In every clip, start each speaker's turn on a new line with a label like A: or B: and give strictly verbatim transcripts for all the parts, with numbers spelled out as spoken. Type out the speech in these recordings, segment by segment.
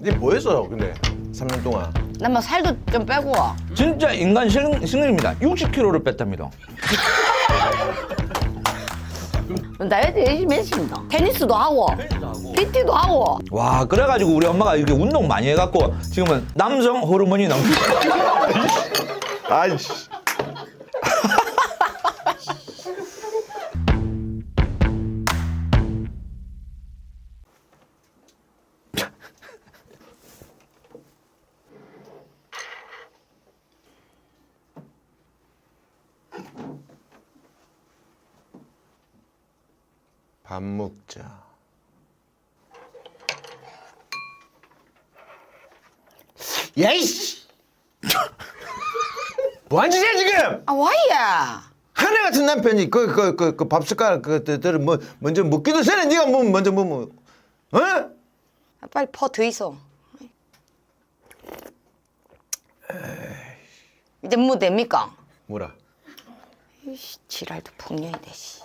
A: 니 뭐했어 근데 삼 년 동안?
B: 나 뭐 살도 좀 빼고.
C: 진짜 인간 신- 신경입니다. 육십 킬로그램를 뺐답니다.
B: 다이어트 열심히 했습니다. 테니스도 하고, 피티도 하고.
C: 와, 그래가지고 우리 엄마가 이렇게 운동 많이 해갖고 지금은 남성 호르몬이 넘쳐.
A: 아이씨. 밥 먹자. 야이씨! 뭐하는 짓이야 지금?
B: 아, 와이야.
A: 하늘 같은 남편이 그 그 그 그 밥 숟가락 그들을 뭐 먼저 먹기도 전에 네가 뭐 먼저 뭐 뭐, 어?
B: 아, 빨리 퍼 더 있어. 이제 뭐 됩니까?
A: 뭐라?
B: 이씨, 지랄도 풍년이 되시.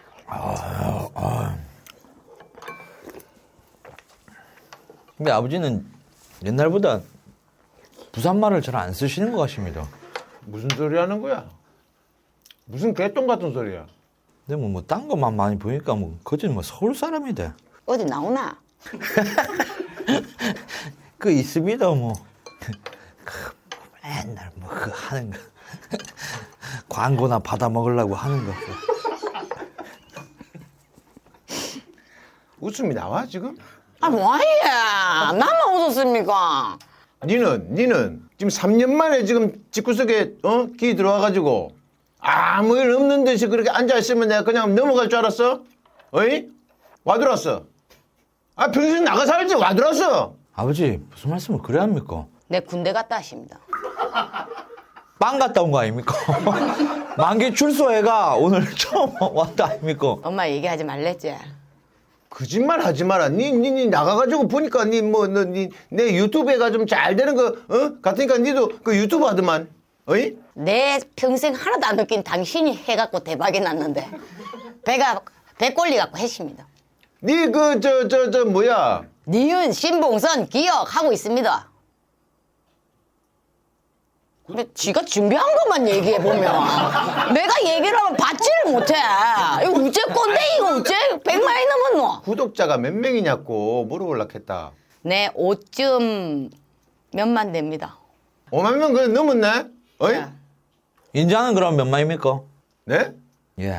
C: 근데 아버지는 옛날보다 부산말을 잘 안 쓰시는 것 같습니다.
A: 무슨 소리 하는 거야? 무슨 개똥 같은 소리야?
C: 근데 뭐, 뭐, 딴 것만 많이 보니까 뭐, 거진 뭐 서울 사람이 돼.
B: 어디 나오나?
C: 그 있습니다, 뭐. 그 맨날 뭐, 그 하는 거. 광고나 받아 먹으려고 하는 거.
A: 웃음이 나와 지금?
B: 아, 와이야. 나만 웃었습니까?
A: 니는 니는 지금 삼 년 만에 지금 집구석에 어? 기 들어와가지고 아무 일 없는 듯이 그렇게 앉아있으면 내가 그냥 넘어갈 줄 알았어? 어이? 와들었어. 아 평소에 나가 살지 와들었어.
C: 아버지, 무슨 말씀을 그래 합니까?
B: 내 군대 갔다 하십니다.
C: 빵 갔다 온 거 아닙니까? 만기 출소해가 오늘 처음 왔다 아닙니까?
B: 엄마 얘기하지 말랬지?
A: 거짓말 하지 마라. 니, 니, 니 나가가지고 보니까 니 뭐, 너, 니, 내 유튜브가 좀 잘 되는 거, 어? 같으니까 니도 그 유튜브 하더만. 어이?
B: 내 평생 하나도 안 느낀 당신이 해갖고 대박이 났는데 배가 배꼴리 갖고 했습니다.
A: 니 그, 저, 저, 저, 뭐야.
B: 니은 신봉선 기억하고 있습니다. 근데 지가 준비한 것만 얘기해 보면 내가 얘기를 하면 받지를 못해. 이거 우째 건데 이거 우째 백만이 넘었노?
A: 구독자가 몇 명이냐고 물어보려고 했다.
B: 네, 오점 몇만 됩니다.
A: 오만 명 그래 넘었네? 어이?
B: 네.
C: 인자는 그럼 몇 만입니까?
A: 네?
C: 예.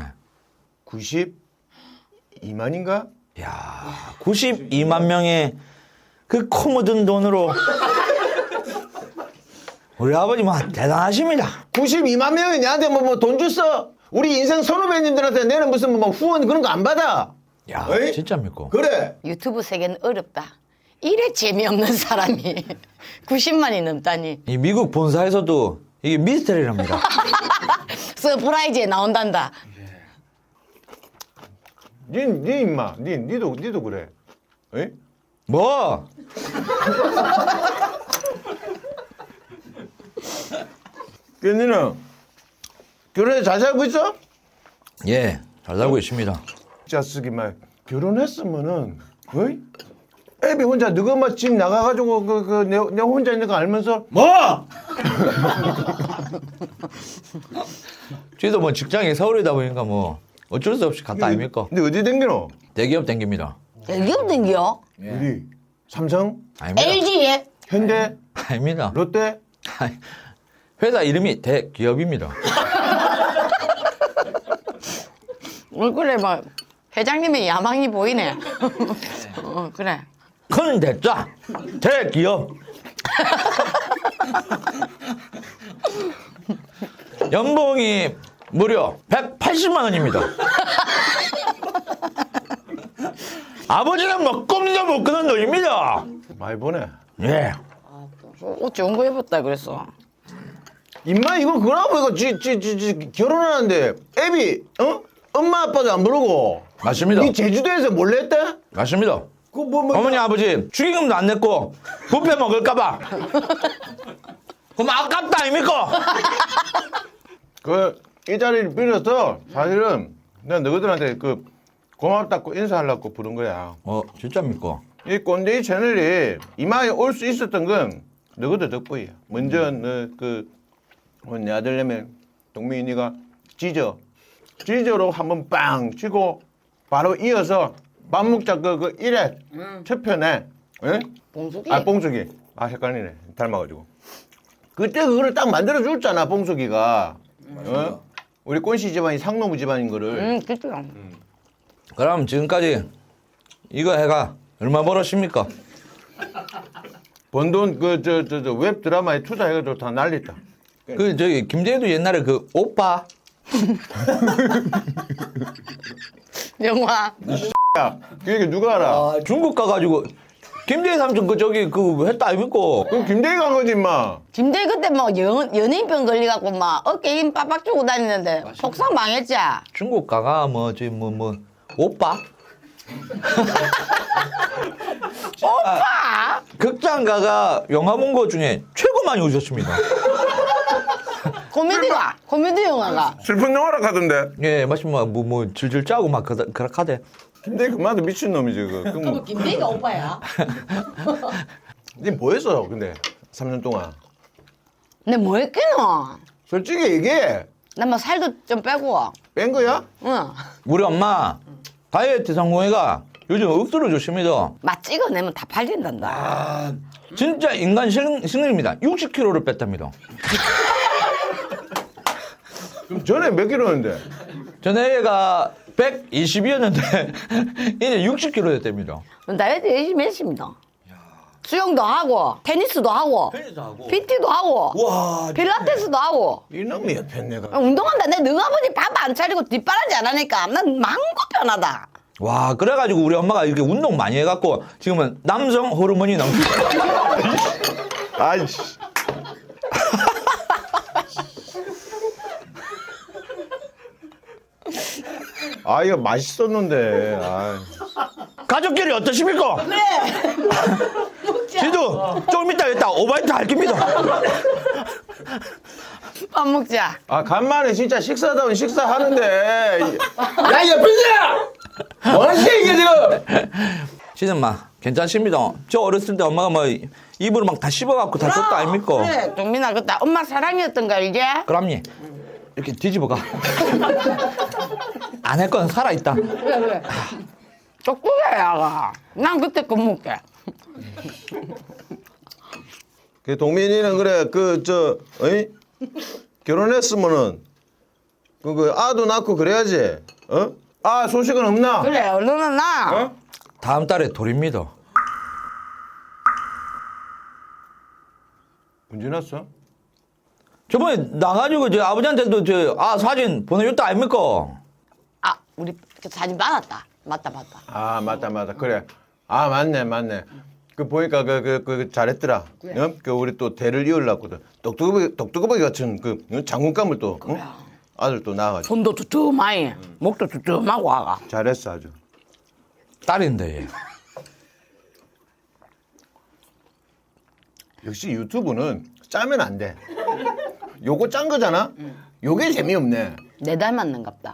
A: 구십이만인가?
C: 야, 구십이만 명의 그 코 묻은 돈으로 우리 아버님은 대단하십니다.
A: 구십이만 명이 내한테 뭐, 뭐 돈 줬어? 우리 인생 선후배님들한테 내는 무슨 뭐 후원 그런 거 안 받아?
C: 야,
A: 어이?
C: 진짜입니까?
A: 그래.
B: 유튜브 세계는 어렵다. 이래 재미없는 사람이 구십만이 넘다니.
C: 이 미국 본사에서도 이게 미스터리랍니다.
B: 서프라이즈에 나온단다.
A: 니, 니 임마, 니, 니도, 니도 그래. 어이?
C: 뭐?
A: 그 니는 결혼해 잘 살고 있어?
C: 예, 잘 살고 있습니다.
A: 자쓰기 말 결혼했으면은 어이? 애비 혼자 너가 막 집 나가가지고 그, 그, 내, 내 혼자 있는 거 알면서 뭐?
C: 저희도 뭐 직장이 서울이다 보니까 뭐 어쩔 수 없이 갔다 아닙니까?
A: 근데 어디 댕기노?
C: 대기업 댕깁니다.
B: 대기업 댕겨?
A: 우리 삼성?
C: 아닙니다.
B: 엘지에?
A: 현대?
C: 아닙니다.
A: 롯데?
C: 아니, 회사 이름이 대기업입니다.
B: 얼굴에 뭐 회장님의 야망이 보이네. 어, 그래.
C: 큰 대자 대기업. 연봉이 무려 백팔십만 원입니다. 아버지는 뭐 꿈도 못 꾸는 돈입니다.
A: 많이 보내.
C: 예.
B: 옷 좋은 거 입었다 그랬어.
A: 임마 이거 그러고 이거 지, 지, 지, 지 결혼하는데 애비 어? 엄마 아빠도 안 부르고
C: 맞습니다.
A: 니 제주도에서 몰래 했대?
C: 맞습니다.
A: 그 뭐, 뭐,
C: 어머니 아버지 축의금도 안 냈고 뷔페 먹을까봐. 그럼 아깝다 아닙니까?
A: 그 이 자리를 빌어서 사실은 내가 너희들한테 그 고맙다고 인사하려고 부른 거야.
C: 어 진짜입니까?
A: 이 꼰대이 채널이 이마에 올 수 있었던 건 너희들 덕분이야. 먼저 너그 내 아들내미 동민이가 지저 지저로 한번 빵 치고 바로 이어서 밥 먹자 그, 그 일회 첫 편에 예?
B: 봉숙이.
A: 아 봉숙이 아 헷갈리네 닮아가지고 그때 그거를 딱 만들어 줬잖아 봉숙이가 어? 우리 꼰씨 집안이 상노무 집안인 거를
B: 응, 그죠.
C: 그럼 지금까지 이거 해가 얼마 벌었습니까?
A: 번 돈 그 저 저 저 웹 드라마에 투자해가지고 다 난리다.
C: 그 저기 김재도 옛날에 그 오빠
B: 영화.
A: 야, 그게 누가 알아?
C: 아, 중국 가가지고 김재희 삼촌 그 저기 그 했다 아닙니까?
A: 그럼 김대희가 한 거지 임마.
B: 김대 그때 뭐 연, 연예인병 걸려갖고 막 어깨 힘 빡빡 주고 다니는데 속상 망했지.
C: 중국 가가 뭐 저기 뭐 뭐 오빠
B: 오빠.
C: 극장 가가 영화 본 거 중에 최고 많이 오셨습니다.
B: 코미디가 코미디 영화가.
A: 슬픈 영화라 하던데.
C: 예, 마침 뭐뭐 뭐 질질 짜고 막 그다 그렇하대.
A: 김대희 그만도 미친 놈이지 그. 그 뭐.
B: 김대희가 오빠야.
A: 니 뭐했어 근데 삼 년 동안.
B: 근데 뭐 했겠노?
A: 솔직히 얘기해.
B: 나 뭐 살도 좀 빼고.
A: 뺀 거야?
B: 응.
C: 우리 엄마 다이어트 성공회가 요즘 억수로 좋습니다.
B: 맛 찍어내면 다 팔린단다.
C: 아, 진짜 인간 신- 신흥입니다. 육십 킬로를 뺐답니다.
A: 그럼 전에 몇 킬로였는데?
C: 전에 얘가 백이십이었는데 이제 육십 킬로 됐답니다.
B: 다이어트 열심히 했습니다. 수영도 하고 테니스도 하고
C: 테니스도 하고.
B: 피티도 하고
C: 와,
B: 필라테스도 하고
A: 이놈이 옆에 내가.
B: 운동한다. 내 너가 아버지 밥 안 차리고 뒷바라지 안 하니까 난 망고 편하다.
C: 와, 그래가지고 우리 엄마가 이렇게 운동 많이 해갖고 지금은 남성 호르몬이 넘쳐.
A: 아이씨. 아 이거 맛있었는데. 아.
C: 가족끼리 어떠십니까? 네. 지도 조금 이따 이따 오바이트 할 겁니다.
B: 밥 먹자.
A: 아 간만에 진짜 식사다운 식사하는데. 야 옆에서 뭐하는 이게 지금?
C: 시즌마 괜찮습니다. 저 어렸을 때 엄마가 뭐 입으로 막 다 씹어갖고 다 줬다 아닙니까?
B: 그래, 동민아 그때 엄마 사랑이었던 거 알지?
C: 그럼요. 이렇게 뒤집어가. 안 할 건 살아있다.
B: 그래 그래. 똑똑해 야가. 난 그때 그 먹게.
A: 그 동민이는 그래 그 저 어이 결혼했으면은 그, 그 아도 낳고 그래야지. 어? 아 소식은 없나?
B: 그래 얼른 나.
A: 어?
C: 다음 달에 돌입니다.
A: 언제 났어?
C: 저번에 나가지고 저 아버지한테도 저 아 사진 보내줬다 아닙니까?
B: 아 우리 그 사진 받았다. 맞다 맞다.
A: 아 맞다 맞다 그래. 아 맞네 맞네. 그 보니까 그 그 그 잘했더라. 어? 그 우리 또 대를 이으려거든. 똑똑이 똑똑이 같은 그 장군감을 또 어? 아들 또 낳아가지고
B: 손도 두툼하니 목도 두툼하고 아가.
A: 잘했어 아주.
C: 딸인데 얘.
A: 역시 유튜브는 짜면 안 돼. 요거 짠 거잖아. 요게 재미없네.
B: 내 닮았는갑다.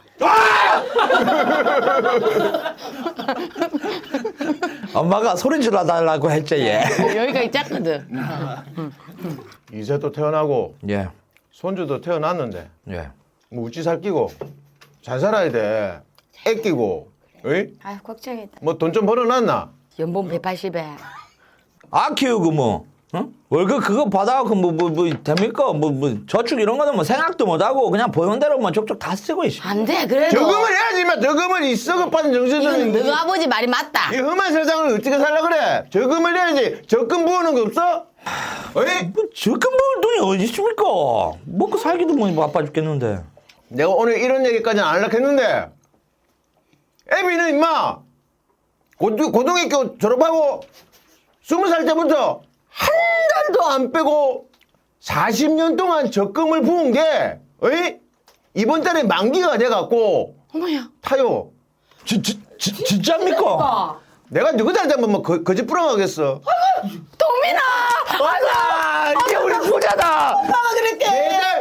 C: 엄마가 소리 질러달라고 했지 얘.
B: 여기가 있잖거든.
A: 이세도 태어나고
C: 예,
A: 손주도 태어났는데
C: 예.
A: 뭐 우찌 살끼고 잘 살아야 돼. 애끼고, 어이?
B: 아유 걱정이다.
A: 뭐 돈 좀 벌어놨나?
B: 연봉 백팔십에.
C: 아 키우고 뭐 어? 월급 그거 받아갖고 뭐 뭐 뭐 됩니까? 뭐 뭐 저축 이런 거는 뭐 생각도 못하고 그냥 보는 대로만 족족 다 쓰고 있어.
B: 안돼 그래도.
A: 저금을 해야지, 마. 저금을 이 썩어빠진
B: 이건
A: 정신은.
B: 너가 아버지 말이 맞다.
A: 이 험한 세상을 어떻게 살라 그래? 저금을 해야지. 적금 부어놓은 거 없어? 어이?
C: 뭐 적금 먹을 돈이 어디 있습니까? 먹고 살기도 뭐 바빠 죽겠는데.
A: 내가 오늘 이런 얘기까지는 안 하려고 했는데 애비는 임마 고등, 고등학교 졸업하고 스무 살 때부터 한 달도 안 빼고 사십 년 동안 적금을 부은 게 어이? 이번 달에 만기가 돼갖고
B: 어머야.
A: 타요.
C: 지, 지, 지, 진짜입니까?
A: 내가 누구한테 한번 뭐 거, 거짓 부렁하겠어.
B: 동민아.
C: 맞아! 이게 우리 부자다!
B: 엄마가 그랬대.
A: 매달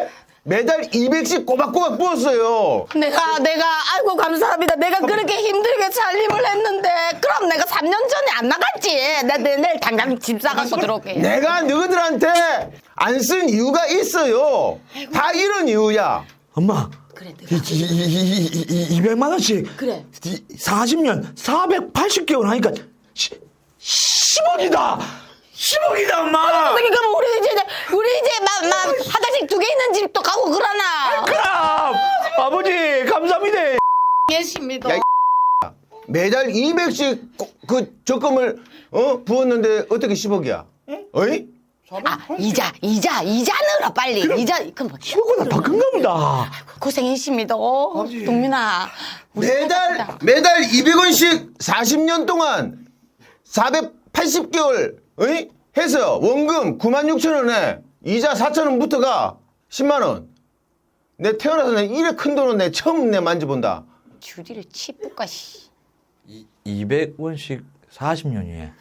A: 매달 이백씩 꼬박꼬박 부었어요.
B: 내가 내가 아이고 감사합니다. 내가 그렇게 힘들게 살림을 했는데 그럼 내가 삼 년 전에 안 나갔지. 내, 내 내일 당장 집 사갖고 들어올게.
A: 내가 너희들한테 안 쓴 이유가 있어요. 다 이런 이유야.
C: 엄마.
B: 그래, 내가.
C: 이, 이, 이, 이, 이, 이, 이백만 원씩.
B: 그래.
C: 이, 사십 년, 사백팔십 개월 하니까 시, 십억이다! 십억이다, 엄마!
B: 그러니까 뭐 우리 이제 우리 이제 막, 막 화장실 두 개 있는 집도 가고 그러나.
C: 그럼! 아버지, 감사합니다!
B: 예십니다.
A: 야, 매달 이백씩 그 적금을 어 부었는데 어떻게 십억이야? 어이?
B: 아 이자 이자 이자 넣어라 빨리. 이자 그럼 뭐
C: 십억보다 더 큰가 보다.
B: 고생이십니다. 동민아. 우리
A: 매달
B: 사랑한다.
A: 매달 이백 원씩 사십 년 동안 사백팔십 개월 어이? 해서 원금 구만 육천 원에 이자 사천 원부터가 십만 원. 내 태어나서 내 이래 큰 돈은 내 처음 내 만져본다.
B: 주디를 치뿌까 씨.
C: 이백 원씩 사십 년이에.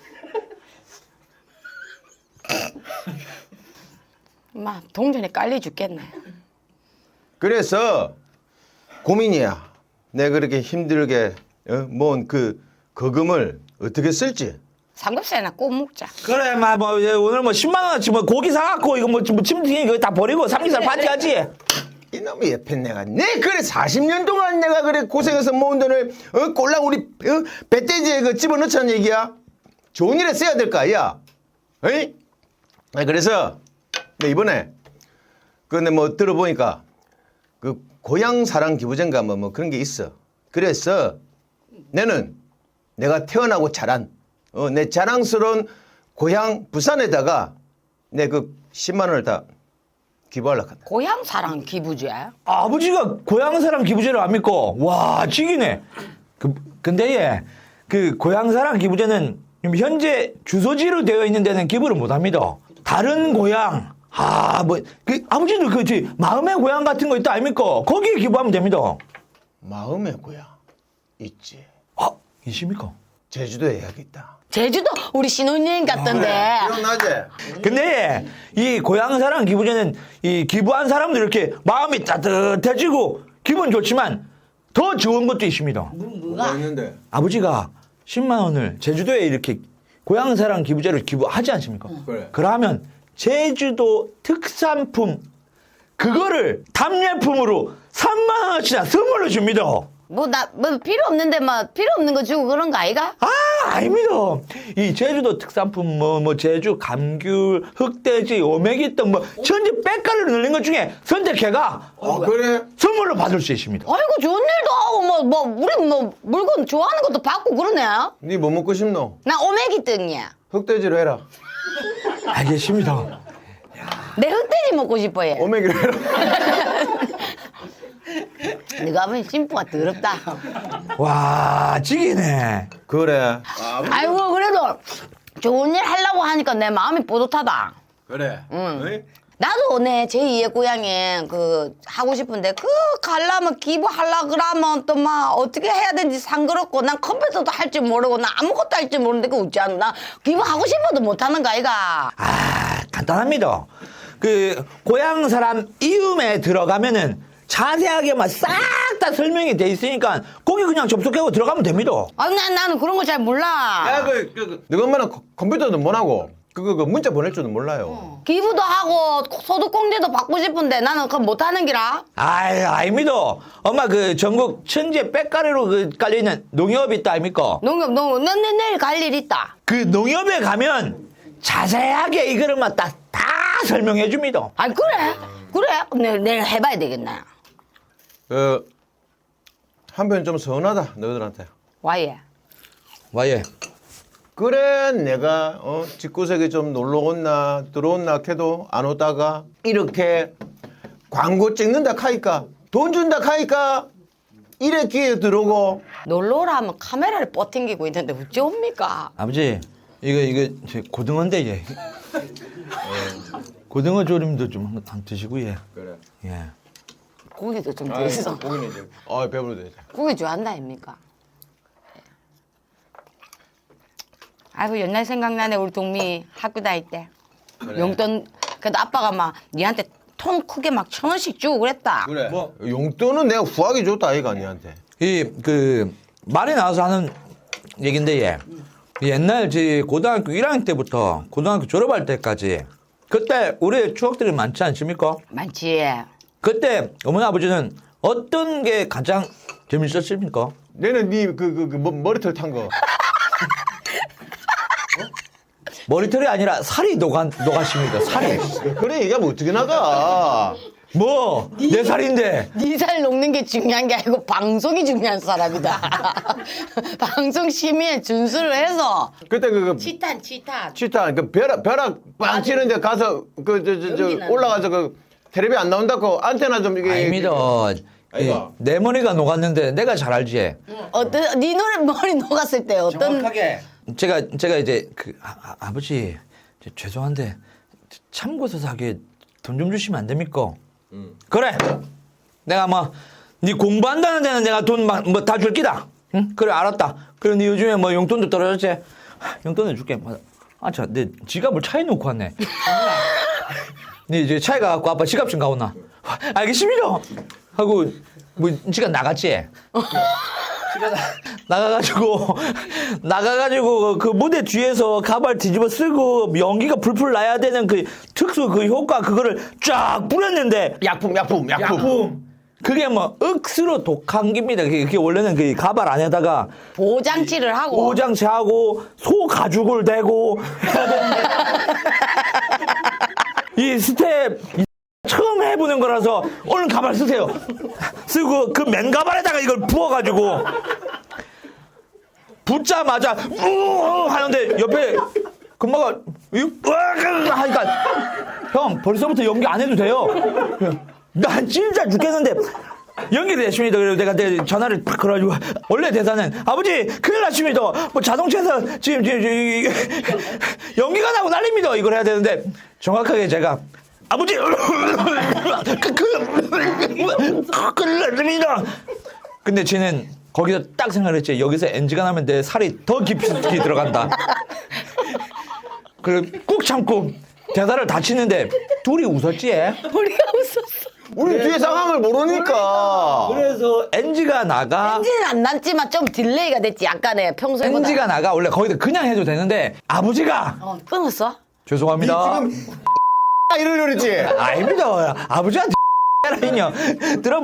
B: 마 동전에 깔려 죽겠네.
A: 그래서 고민이야. 내가 그렇게 힘들게 어? 모은 그 거금을 어떻게 쓸지.
B: 삼겹살이나 구워 먹자.
C: 그래, 마, 뭐, 이제 오늘 뭐 십만 원어치 뭐 고기 사갖고 이거 뭐, 뭐 침튀기 이거 다 버리고 삼겹살 파티하지?
A: 이놈의 옆에 내가 내 그래 사십 년 동안 내가 그래 고생해서 모은 돈을 어? 꼴랑 우리 어? 배돼지에 그 집어넣자는 얘기야. 좋은 일에 써야 될 거 아니야. 어이? 아, 그래서 내 이번에 근데 뭐 들어보니까 그 고향 사랑 기부제인가 뭐, 뭐 그런 게 있어. 그래서 내는 내가 태어나고 자란 어, 내 자랑스러운 고향 부산에다가 내 그 십만 원을 다 기부하려고 한다.
B: 고향 사랑 기부제.
C: 아버지가 고향사랑 기부제를 압니까? 와, 지기네. 그, 근데 예, 그 고향사랑 기부제는 현재 주소지로 되어 있는 데는 기부를 못 합니다. 다른 고향, 아, 뭐, 그, 아버지도 그, 저, 마음의 고향 같은 거 있다 아닙니까? 거기에 기부하면 됩니다.
A: 마음의 고향 있지.
C: 아, 있습니까?
A: 제주도에 여기있다.
B: 제주도 우리 신혼여행 갔던데.
A: 기억나지?
C: 근데 이 고향사랑 기부제는 이 기부한 사람들 이렇게 마음이 따뜻해지고 기분 좋지만 더 좋은 것도 있습니다.
B: 뭐가?
A: 있는데?
C: 아버지가 십만 원을 제주도에 이렇게 고향사랑 기부제를 기부하지 않습니까?
A: 그래.
C: 그러면 제주도 특산품 그거를 답례품으로 삼만 원어치나 선물로 줍니다.
B: 뭐 나 뭐 필요 없는데 뭐 필요 없는 거 주고 그런 거 아이가?
C: 아, 아닙니다. 이 제주도 특산품 뭐, 뭐 제주 감귤, 흑돼지, 오메기 등 뭐 전체 빽가루를 넣는 것 중에 선택해가
A: 아, 그래?
C: 선물로 받을 수 있습니다.
B: 아이고 좋은 일도 하고 뭐 뭐 우리 뭐 물건 좋아하는 것도 받고 그러네.
A: 니 뭐 먹고 싶노?
B: 나 오메기 등이야.
A: 흑돼지로 해라.
C: 알겠습니다.
B: 내 흑돼지 먹고 싶어 얘.
A: 오메기로 해라.
B: 네가 하면 심부가 더럽다.
C: 와, 지기네.
A: 그래.
B: 아이고 그래도 좋은 일 하려고 하니까 내 마음이 뿌듯하다.
A: 그래.
B: 응. 나도 내 제이의 고향에 그 하고 싶은데 그 가려면 기부하려 그러면 또 막 어떻게 해야 되는지 상그럽고 난 컴퓨터도 할 줄 모르고 난 아무것도 할 줄 모르는데 그 어찌 않나 나 기부하고 싶어도 못하는 거 아이가.
C: 아, 간단합니다. 그 고향 사람 이음에 들어가면은 자세하게만 싹 다 설명이 돼 있으니까 거기 그냥 접속하고 들어가면 됩니다.
B: 아, 난 나는 그런 거 잘 몰라.
A: 야, 그, 그, 그, 너가 엄마는 컴- 컴퓨터도 못 하고, 그거, 그 문자 보낼 줄도 몰라요.
B: 기부도 하고 소득공제도 받고 싶은데 나는 그거 못하는 기라.
C: 아이, 아닙니다. 엄마 그 전국 천재 빽가루로 그 깔려있는 농협 있다 아닙니까?
B: 농협 농협 내, 내, 내일 갈 일 있다.
C: 그 농협에 가면 자세하게 이거를만 다, 다 설명해 줍니다.
B: 아 그래 그래 내일, 내일 해봐야 되겠네.
A: 그, 한편 좀 서운하다, 너희들한테.
B: 와예.
C: 와예.
A: 그래, 내가, 어, 집구석에 좀 놀러 온나, 들어온나 해도 안 오다가, 이렇게 광고 찍는다 카니까, 돈 준다 카니까, 이래 기회 들어오고,
B: 놀러 오라 하면 카메라를 뻗팅기고 있는데 어찌 옵니까?
C: 아버지, 이거, 이거, 저 고등어인데, 예. 고등어 조림도 좀 한, 한 드시고, 예.
A: 그래.
C: 예.
B: 고기도 좀 더 있어.
A: 고기는 이제, 아, 배부르다, 이제.
B: 고기 좋아한다 아닙니까? 아이고 옛날 생각나네 우리 동미 학교 다닐 때 용돈 그래도 아빠가 막 니한테 통 크게 막 천 원씩 주고 그랬다.
A: 그래. 뭐 용돈은 내가 후하게 줬다 아이가 니한테.
C: 이 그 말이 나와서 하는 얘긴데 얘 옛날 제 고등학교 일 학년 때부터 고등학교 졸업할 때까지 그때 우리의 추억들이 많지 않습니까?
B: 많지.
C: 그때 어머니 아버지는 어떤 게 가장 재밌었습니까?
A: 내는 니그그 그, 뭐, 머리털 탄 거.
C: 머리털이 아니라 살이 녹아 녹았습니다. 살이.
A: 그래 얘기하면 어떻게 나가?
C: 뭐 내 살인데.
B: 네 살 녹는 게 중요한 게 아니고 방송이 중요한 사람이다. 방송 심의에 준수를 해서
A: 그때 그, 그
B: 치탄 치탄.
A: 치타 그 벼락 벼락 빵 치는데 가서 그 저 저 저
B: 연기 나는
A: 올라가서 그 텔레비 안 나온다고 안테나 좀 이게
C: 아닙니다.
A: 아이가.
C: 내 머리가 녹았는데 내가 잘 알지.
B: 어떤 네 노래 머리 녹았을 때 어떤
C: 제가 제가 이제 그 아, 아, 버지 죄송한데 참고서 사기에 돈 좀 주시면 안 됩니까? 그래. 내가 뭐네 공부한다는 데는 내가 돈 뭐 다 줄 기다. 응? 그래 알았다. 그래 네 요즘에 뭐 용돈도 떨어졌지. 하, 용돈을 줄게. 아차 내 지갑을 차에 놓고 왔네. 네 이제 차에 가갖고 아빠 지갑 좀 가오나. 알겠습니다. 하고 뭐 지갑 나갔지. 나가가지고 나가가지고 그 무대 뒤에서 가발 뒤집어 쓰고 연기가 풀풀 나야 되는 그 특수 그 효과 그거를 쫙 뿌렸는데
A: 약품 약품 약품.
C: 약품 그게 뭐 억수로 독한 겁니다. 그게, 그게 원래는 그 가발 안에다가
B: 보장치를 하고
C: 오장치하고 소 가죽을 대고 이 스텝 처음 해보는 거라서 얼른 가발 쓰세요. 쓰고 그 맨 가발에다가 이걸 부어가지고 붓자마자 우 하는데 옆에 금마가 으악 하니까 형 벌써부터 연기 안 해도 돼요. 난 진짜 죽겠는데 연기 되십니다. 그래서 내가 내 전화를 팍 걸어가지고 원래 대사는 아버지 큰일 났습니다. 뭐 자동차에서 지금, 지금, 지금 연기가 나고 난립니다. 이걸 해야 되는데 정확하게 제가 아버지 큰일 났습니다. 근데 쟤는 거기서 딱 생각했지. 여기서 엔지가 나면 내 살이 더 깊이 들어간다. 그래 꾹 참고 대사를 다 치는데 둘이 웃었지.
B: 우리가 웃었어.
A: 우리 뒤에 상황을 모르니까.
C: 그래서 엔지가 나가.
B: 엔진은 안 났지만 좀 딜레이가 됐지 약간의 평소에보다.
C: 엔지가 나가 원래 거기다 그냥 해도 되는데 아버지가
B: 어, 끊었어?
C: 죄송합니다.
A: 지금 이러려 그랬지.
C: 아닙니다. 아버지한테 라인요. 들어봐.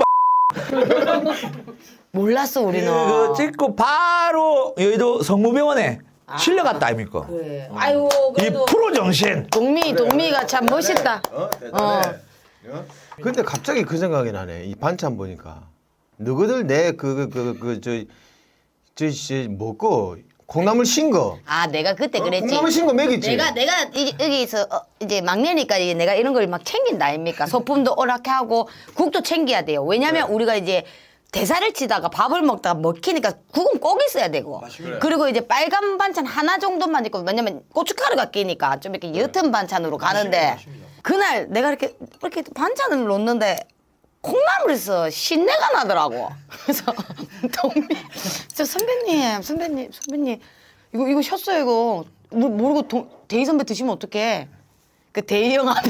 B: 몰랐어 우리는.
C: 그거 찍고 바로 여의도 성모병원에 실려갔다 아닙니까?
B: 그래. 아이고
C: 이
B: 그래도
C: 프로 정신.
B: 동미 동미가 참 멋있다.
A: 어, 대단해. 어? 근데 갑자기 그 생각이 나네. 이 반찬 보니까 너희들 내 그 그 그 저 저 먹고 콩나물 신 거.
B: 아 내가 그때 그랬지.
A: 콩나물 신 거 먹였지.
B: 내가 내가 이, 여기서 어, 이제 막내니까 이제 내가 이런 걸 막 챙긴다 아닙니까? 소품도 오락해 하고 국도 챙겨야 돼요. 왜냐면 우리가 이제 대사를 치다가 밥을 먹다가 먹히니까 국은 꼭 있어야 되고. 그리고 이제 빨간 반찬 하나 정도만 있고 왜냐면 고춧가루가 끼니까 좀 이렇게 옅은 반찬으로 가는데 그날 내가 이렇게 이렇게 반찬을 놓는데 콩나물에서 신내가 나더라고. 그래서 동미, 저 선배님, 선배님, 선배님, 이거 이거 셨어요 이거 모- 모르고 동, 대희 선배 드시면 어떡해? 그 대희 형 앞에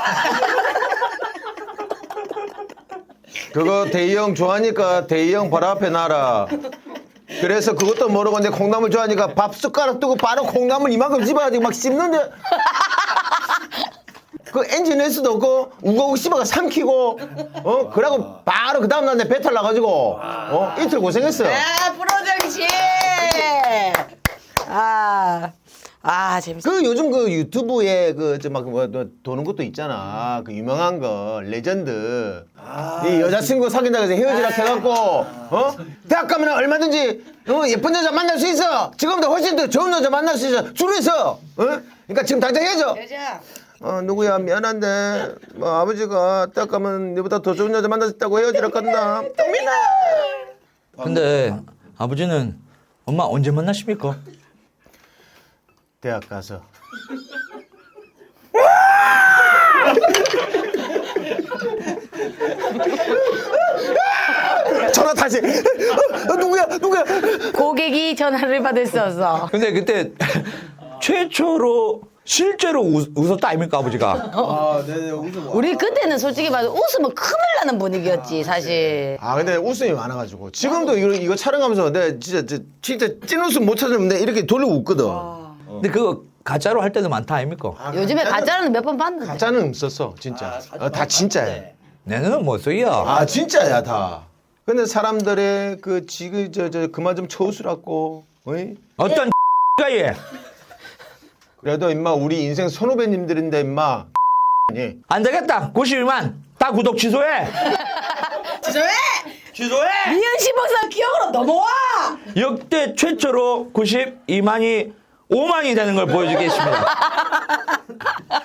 A: 그거 대희 형 좋아하니까 대희 형 바로 앞에 놔라. 그래서 그것도 모르고 내 콩나물 좋아하니까 밥 숟가락 뜨고 바로 콩나물 이만큼 집어가지고 막 씹는데 그 엔진 낼 수도 없고 우거우 씹어가 삼키고 어 그러고 바로 그 다음날 내 배탈 나가지고 어 이틀 고생했어.
B: 아 프로정신. 아, 아 재밌어.
A: 그 요즘 그 유튜브에 그 저 막 뭐 도는 것도 있잖아. 그 유명한 거 레전드. 이 여자친구 사귄다고 해서 헤어지라 해갖고 어 대학 가면 얼마든지 어, 예쁜 여자 만날 수 있어. 지금보다 훨씬 더 좋은 여자 만날 수 있어. 줄에서 어 그러니까 지금 당장 헤어져.
B: 여자.
A: 어 누구야 미안한데 뭐 아버지가 대학 가면 너보다 더 좋은 여자 만날 수 있다고 헤어지라 간다. 동민아.
C: 근데 아버지는 엄마 언제 만나십니까?
A: 대학 가서. 전화 다시. 어, 어, 누구야 누구야.
B: 고객이 전화를 받을 수 없어.
C: 근데 그때 최초로 실제로 웃, 웃었다 아닙니까 아버지가?
D: 아, 네네. 웃음.
B: 우리 그때는 솔직히 말해 웃으면 큰일 나는 분위기였지 사실.
A: 아 근데 웃음이 많아가지고 지금도 이거, 이거 촬영하면서 내가 진짜 진짜, 진짜 찐 웃음 못 찾으면 내가 이렇게 돌리고 웃거든.
C: 근데 그거 가짜로 할 때도 많다 아닙니까?
A: 아,
B: 요즘에
A: 가짜는-
B: 가짜는 몇 번 봤는데.
A: 가짜는 없었어 진짜. 어, 다 진짜야.
C: 내 눈은 못 써요.
A: 아 진짜야 다. 근데 사람들의 그 지금 저저 그만 좀 쳐웃으라고. 어이?
C: 어떤 가 예.
A: 그래도 임마 우리 인생 선후배님들인데 임마. 예.
C: 안 되겠다. 구십이만 다 구독 취소해.
B: 죄송해.
C: 취소해.
B: 이현식 박사 기억으로 넘어와.
C: 역대 최초로 구십이만이 오만이 되는 걸 보여주겠습니다.